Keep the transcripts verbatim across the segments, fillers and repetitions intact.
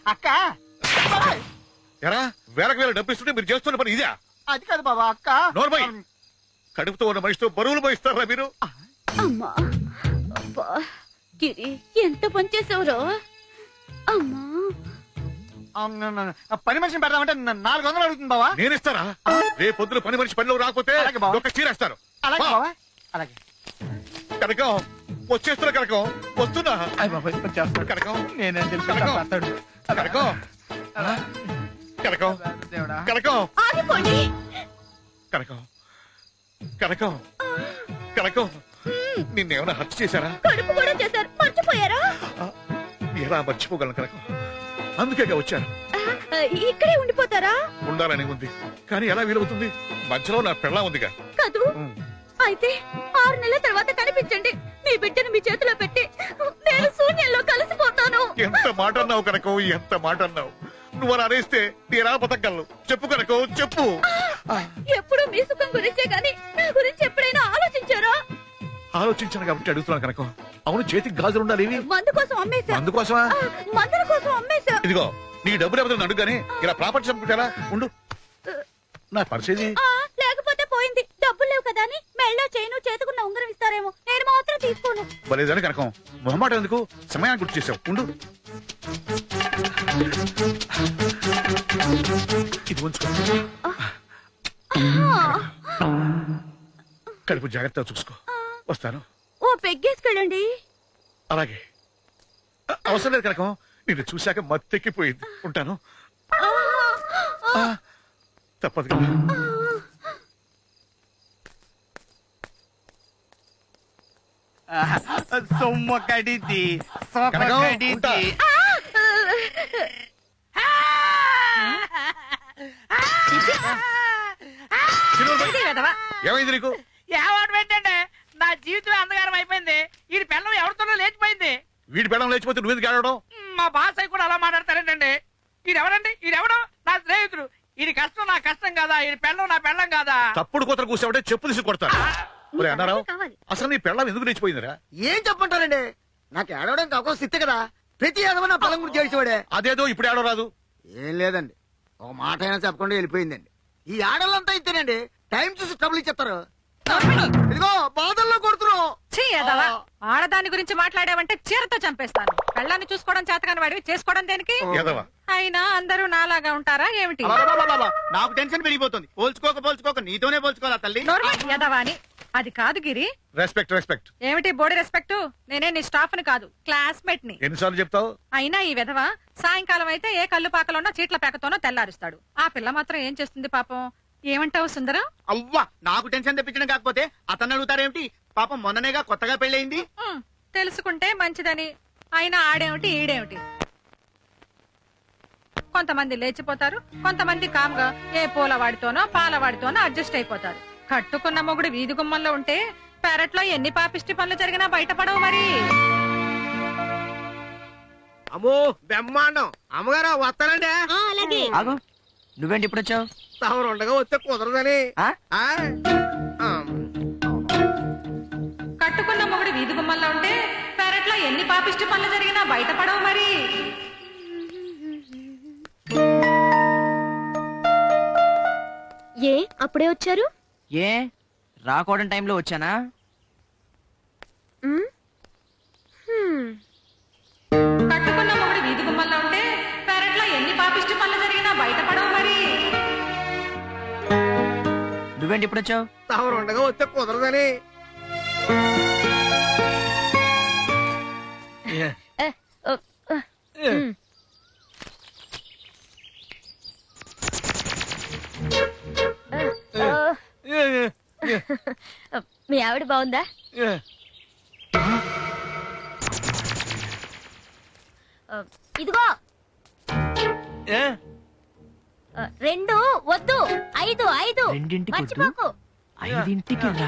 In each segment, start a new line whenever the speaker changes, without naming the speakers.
అక్క
ఎరా వేలకు వేల డబ్బు ఇస్తుంటే మీరు చేస్తున్న పని ఇదే?
అది కాదు బాబా అక్క.
నోర్మై కడుపుతో ఉన్న మనిషితో బరువులు పోయిస్తారా మీరు?
అమ్మా అబ్బా గిరి ఎంత పని చేసావురో. అమ్మా
పని మనిషిని పెడదామంటే నాలుగు వందలు అడుగుతుంది బావా.
నేను ఇస్తారా? రేపు పొద్దున పని మనిషి పనిలో రాకపోతే ఒక చీరేస్తారు.
అలాగే బావా అలాగే.
కనకం వచ్చేస్తున్నా కనకం వస్తున్నా కనకం
నేనేం తెలుసు
కనకం కనకం కనకం కనకం
ఆగిపోండి.
కనకం కనకం కనకం నిన్నేమైనా హత్య చేశారా?
కడుపు కూడా చేశారు, మర్చిపోయారా?
ఎలా మర్చిపోగలను కనకం? అందుకే వచ్చాను.
ఇక్కడే ఉండిపోతారా?
ఉండాలని ఉంది కానీ ఎలా వీలవుతుంది? మధ్యలో నా పెళ్ళా ఉందిగా.
కాదు అయితే ఆరు నెలల తర్వాత కనిపించండి. మీ బిడ్డను మీ చేతిలో పెట్టి నేను శూన్యంలో కలిసిపోతాను.
ఎంత మాట అన్నావు కనకం, ఎంత మాట అన్నావు. నువ్వు అలా అనేస్తే నేనా బతకగలను? చెప్పు కనకం చెప్పు.
ఎప్పుడు మీ సుఖం గురించే గాని నా గురించి ఎప్పుడైనా ఆలోచించారా?
ఆలోచించాను కాబట్టి అడుగుతున్నాను కనకం. అవును చేతికి గాజులు ఉండాలి. ఇవి
మందు కోసం అమ్మేశా.
అందుకోసమా?
మందుల కోసం అమ్మేశా.
ఇదిగో నీ డబ్బులు ఎవరు అడుగుగానే ఇలా ప్రాపర్టీ చంపుకుంటారా? ఉండు నా పరిస్థితి.
లేకపోతే పోయింది. డబ్బులు లేవు కదా అని మెళ్ళో చేయను చేతుకున్న ఉంగరం ఇస్తారేమో, నేను మాత్రం తీసుకోను.
బలేదని కనకం మొహమాట ఎందుకు? సమయాన్ని గుర్తు చేసావు. ఉండు ఇది ఉంచుకో. కడుపు జాగ్రత్తగా చూసుకో. వస్తాను.
ఓ పెగ్గేసుకెళ్ళండి.
అలాగే. అవసరం లేదు కనకం, నిన్ను చూశాక మత్తెక్కిపోయింది. ఉంటాను. తప్పదు కదా.
సొమ్మ కడిది
కనకం, ఉంటా. ఏమైంది నీకు?
ఏవాడు పెట్టండి, నా జీవితం అంధకారం అయిపోయింది. ఈ పిల్లం ఎవరితోనో లేచిపోయింది.
వీడి పెళ్ళం లేచిపోతే నువ్వెందుకు ఆడడం?
మా బాస్ అయి కూడా అలా మాట్లాడతారేంటండి? ఈడెవడండి? ఈడెవడో నా స్నేహితుడు. ఇది కష్టం నా కష్టం కాదా? ఈ పెళ్ళం నా పెళ్ళం కాదా?
తప్పుడు కూతురు కూర్చోబట్టే చెప్పు తీసి కొడతాను. ఒరే అన్నారావు, అసలు నీ పెళ్ళం ఎందుకు లేచిపోయిందిరా?
ఏం చెప్పంటారండి? నాకు ఏడవడం కాక సిత్తే కదా. ప్రతి ఏదైనా నా పొలం గురించి చేసేవాడే.
అదేదో ఇప్పుడు ఆడో రాదు.
ఏం లేదండి, ఒక మాట అయినా చెప్పకుండా వెళ్ళిపోయిందండి. ఈ ఆడలంతా ఇస్తేనండి టైం చూసి ట్రబుల్ ఇచ్చేస్తారు. ఇదిగో బాధల్లో కొడుతున్నావు.
ఆడదాని గురించి మాట్లాడావంటే చీరతో చంపేస్తాను. పెళ్ళాన్ని చూసుకోవడం చేతకాని వాడివి చేసుకోవడం దేనికి? అయినా అందరూ నాలాగా ఉంటారా ఏమిటి?
నాకు టెన్షన్ పెరిగిపోతుంది. పోల్చుకోక పోల్చుకోక నీతోనే పోల్చుకోవాలా తల్లి?
యదవాని అది కాదు గిరి.
రెస్పెక్ట్ రెస్పెక్ట్
ఏమిటి బోడి రెస్పెక్ట్? నేనే నీ స్టాఫ్ ని కాదు, క్లాస్మేట్ ని.
ఎన్నిసార్లు చెప్తావు?
అయినా ఈ విధవ సాయంకాలం అయితే ఏ కళ్ళు పాకలోనో చీట్ల పేకతోనో తెల్లారుస్తాడు. ఆ పిల్ల మాత్రం ఏం చేస్తుంది పాపం? ఏమంటావు సుందరం?
అవ్వా, నాకు టెన్షన్ తెప్పించడం కాకపోతే అతను అడుగుతారేమిటి? పాపం మొన్ననేగా కొత్తగా పెళ్ళయింది.
తెలుసుకుంటే మంచిదని. అయినా ఆడేమిటి ఈడేమిటి? కొంతమంది లేచిపోతారు, కొంతమంది కామ్గా ఏ పూలవాడితోనో పాలవాడితోనో అడ్జస్ట్ అయిపోతారు. కట్టుకున్న మొగుడు వీధి గుమ్మంలో ఉంటే పెరట్లో ఎన్ని పాపిష్టి పనులు జరిగినా బయటపడవు మరి.
అమ్మో బ్రహ్మాండం. అమ్మగారు వస్తానండి.
అలాగే.
నువ్వేంటి ఇప్పుడు వచ్చావు?
తమరు ఉండగా వస్తే కుదరదని.
కట్టుకున్న మొగుడు వీధి గుమ్మంలో ఉంటే పెరట్లో ఎన్ని పాపిష్టి పనులు జరిగినా బయటపడవు మరి.
ఏ అప్పుడే వచ్చారు?
ఏ రాకూడని టైంలో వచ్చానా?
కట్టుకున్న మొగుడు వీధి గుమ్మంలో ఉంటే పెరట్లో ఎన్ని పాపిష్టి పనులు జరిగినా బయటపడవు మరి.
నువ్వేంటి ఇప్పుడు వచ్చావు?
తమరు ఉండగా వస్తే కుదరదని.
మీ ఆవిడ బాగుందా? ఇదిగో రెండు వద్దు, ఐదు ఐదు.
రెండింటికి
మర్చిపోకు.
ఐదింటికి రా.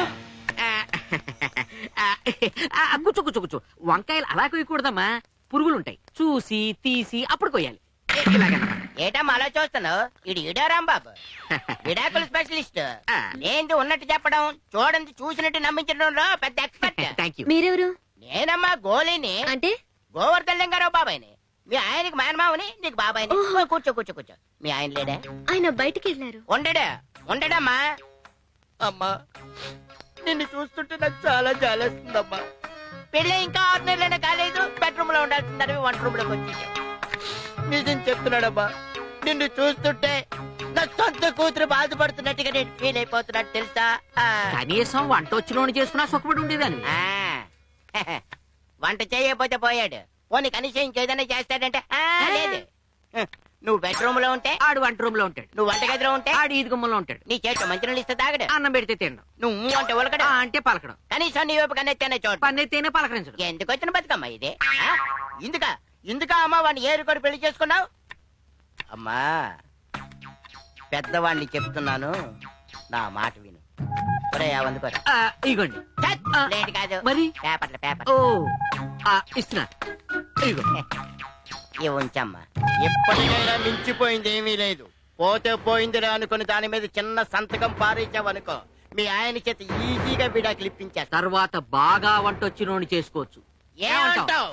కూర్చో కూర్చో కూర్చో. వంకాయలు అలా కొయ్యకూడదమ్మా, పురుగులుంటాయి. చూసి తీసి అప్పుడు కొయ్యాలి.
ఏటమ్మా అలా చూస్తున్నావు? ఇది ఇడా రాంబాబు, విడాకుల స్పెషలిస్ట్. ఏంటి ఉన్నట్టు చెప్పడం, చూడండి చూసినట్టు నమ్మించడంలో పెద్ద ఎక్స్పర్ట్.
Thank you.
మీరెవరు?
నేనమ్మా గోలీని,
అంటే
గోవర్ధన్ లింగారావు బాబాయ్ని. మీ ఆయనకి మేనమావని నీకు బాబాయ్ కూర్చో కూర్చో కూర్చో మీ ఆయన లేడా
ఆయన బయటికి వెళ్ళారు.
ఉండడా ఉండడమ్మా అమ్మా నిన్ను చూస్తుంటే నాకు చాలా జాలేస్తుందమ్మా. పెళ్ళి ఇంకా ఆరు నెలలైనా కాలేదు, బెడ్రూమ్ లో ఉండాల్సిందని వంట రూమ్ లోకి వచ్చేసాం. నిజం చెప్తున్నాడమ్మా, నిన్ను చూస్తుంటే నా సొంత కూతురు బాధపడుతున్నట్టుగా నేను ఫీల్ అయిపోతున్నట్టు తెలుసా? ఆ.
కనీసం వంట వచ్చినోని చేసుకున్నా సుఖపడి ఉండేదాన్ని.
ఆ. వంట చేయకపోతే పోయాడు, పోనీ కనీసం ఇంకేదైనా చేస్తాడంటే ఆ, లేదు. హ, నువ్వు బెడ్రూమ్ లో ఉంటే
ఆడు వంట రూమ్ లో ఉంటాడు,
నువ్వు వంటగదిలో ఉంటే
ఆడు ఈది గుమ్మలో ఉంటాడు.
నీ చేతిలో మంచి ఇస్తే తాగడు,
అన్నం పెడితే తినడం,
నువ్వు అంటే ఉలకడు,
ఆ అంటే పలకడం,
కనీసం నీ వైపు కన్నెత్తేనే చూడు.
పన్నెత్తేనే పలకరించడం.
ఎందుకు వచ్చిన బతుకమ్మా ఇది? ఆ? ఇందుక ఇందుక అమ్మా వాడిని ఏరుకొని పెళ్లి చేసుకున్నావు? అమ్మా పెద్దవాడిని చెప్తున్నాను, నా మాట విను. ఒరే అందుకోరా
ఆ, ఇగోండి.
లేట్ కాదు,
మరి?
పేపర్లు పేపర్
ఓ ఆ, ఇస్తున్నా. ఇగో
ఇవి ఉంచమ్మా. ఎప్పటికైనా మించిపోయింది ఏమీ లేదు, పోతే పోయిందిరా అనుకుని దాని మీద చిన్న సంతకం పారేసావనుకో, మీ ఆయన చేత ఈజీగా విడాకులు ఇప్పించేస్తా.
తర్వాత బాగా వంట వచ్చినోని చేసుకోవచ్చు.
ఏమంటావ్?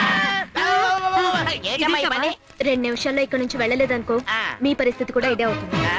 ఏంటమ్మా ఈ పని?
రెండు నిమిషాల్లో ఇక్కడ నుంచి వెళ్ళలేదనుకో,
ఆ.
మీ పరిస్థితి కూడా ఇదే అవుతుంది.
ఆ?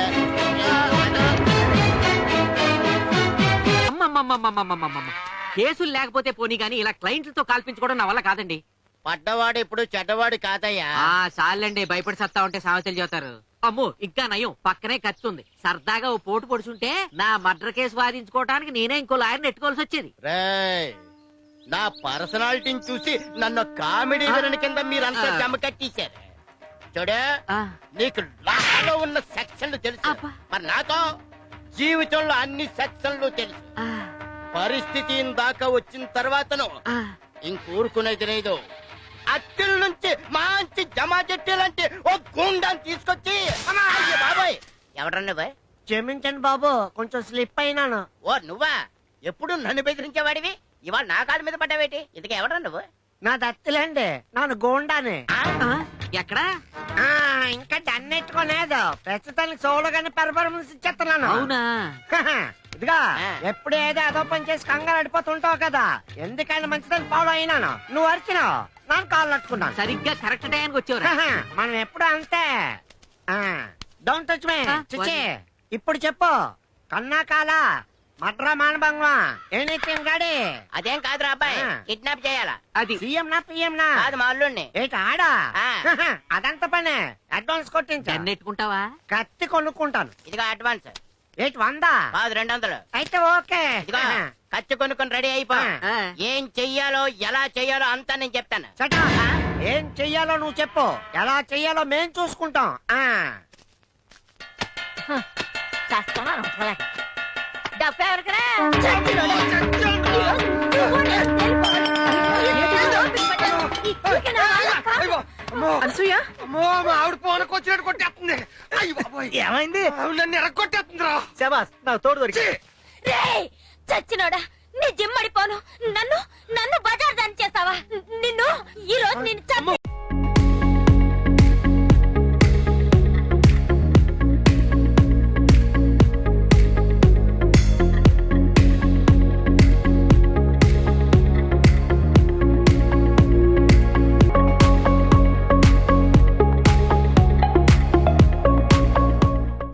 అమ్మమ్మమ్మమ్మమ్మమ్మమ్మ. కేసులు లేకపోతే పోనీ గానీ ఇలా క్లయింట్లతో కాల్పించుకోవడం నా వల్ల కాదండి.
పడ్డవాడు ఇప్పుడు చెడ్డవాడు కాదయ్యా.
ఆ చాలండి, భయపడి సత్తా ఉంటే సామెతలు చెబుతారు. అమ్మో ఇంకా నయం, పక్కనే ఖర్చు ఉంది. సరదాగా ఓ పోటు పొడుచుంటే నా మర్డర్ కేసు వాదించుకోవడానికి నేనే ఇంకో లాయర్ నెట్టుకోవాల్సి వచ్చేది.
రేయ్, నా పర్సనాలిటీని చూసి నన్ను కామెడీ విలన్ కింద మీరంతా
ఆ.
జమ కట్టేశారు. చూడు,
ఆ,
నీకు లాలో ఉన్న సెక్షన్లు తెలుసు,
అబ్బా.
మరి నాతో జీవితంలో అన్ని సెక్షన్లు తెలుసు.
ఆ,
పరిస్థితి దాకా వచ్చిన తర్వాతను
ఆ.
ఇంకూరుకునేది లేదు. అత్తిల నుంచి మంచి జమా చెట్టాలంటే ఓ గుండాన్ని తీసుకొచ్చి అయ్య బాబాయ్, ఎవడ్రా నువ్వు?
క్షమించండి బాబు, కొంచెం స్లిప్ అయినాను.
ఓ నువ్వా? ఎప్పుడు నన్ను బెదిరించేవాడివి, ఇవాళ నా కాళ్ళ మీద పడ్డావేటి? ఇంతకీ ఎవడ్రా నువ్వు?
నా దత్తులేండి, నాను గోండాని.
ఆ?
ఆ, ఎక్కడా?
ఆ, ఇంకా దన్నెట్టుకోలేదు, ప్రస్తుతానికి చూడగానే పెర్ఫార్మెన్స్ ఇచ్చేస్తున్నాను.
అవునా?
హహ, ఇదిగా
ఆ.
ఎప్పుడు ఏదో అదో పని చేసి కంగారు అడిపోతుంటావు కదా, ఎందుకైనా మంచిదని ఫాలో అయినాను. నువ్వు అరిచినావు, ನಾನು కాళ్ళు అట్టుకున్నాను.
సరిగ్గా కరెక్ట్ టైంకి వచ్చేవరా?
హహ, మనం ఎప్పుడు అంతే. Don't touch me.
ఆ,
చిచి, ఇప్పుడు చెప్పు, కన్నా కాల మడ్రా మానభంగమా ఎనీథింగ్ గాడి?
అదేం కాదురా అబ్బాయి,
ఆ.
కిడ్నాప్ చేయాలా?
అది
సీఎం నా పిఎం నా?
కాదు మా అల్లుడిని.
ఏంటి ఆడా?
ఆ.
హహ, అదంత పనే, అడ్వాన్స్ కొట్టించా.
నెట్టుకుంటావా?
కత్తి కొనుక్కుంటాను.
ఇదిగో అడ్వాన్స్.
ఏంటి వందా?
కాదు రెండు వందలు.
అయితే ఓకే.
ఇదిగో
హహ,
ఖర్చు కొనుక్కొని రెడీ అయిపో.
ఆ.
ఏం చెయ్యాలో ఎలా చెయ్యాలో అంతా నేను చెప్తాను.
చట, ఏం చెయ్యాలో నువ్వు చెప్పు, ఎలా చెయ్యాలో మేం చూసుకుంటాం. ఆ
అనసూయ,
అమ్మో, మా ఆవిడ పోనకు వచ్చినట్టు కొట్టేస్తుంది. అయ్య బాబోయ్,
ఏమైంది?
ఆవిడ నన్ను ఎరగొట్టేస్తుంది రా.
శబాస్, నాకు తోడు దొరికి.
రేయ్, చచ్చినోడా, నీ జిమ్మడిపోను. నన్ను నన్ను బజార్ దాని చేస్తావా? నిన్ను ఈ రోజు నేను చంపి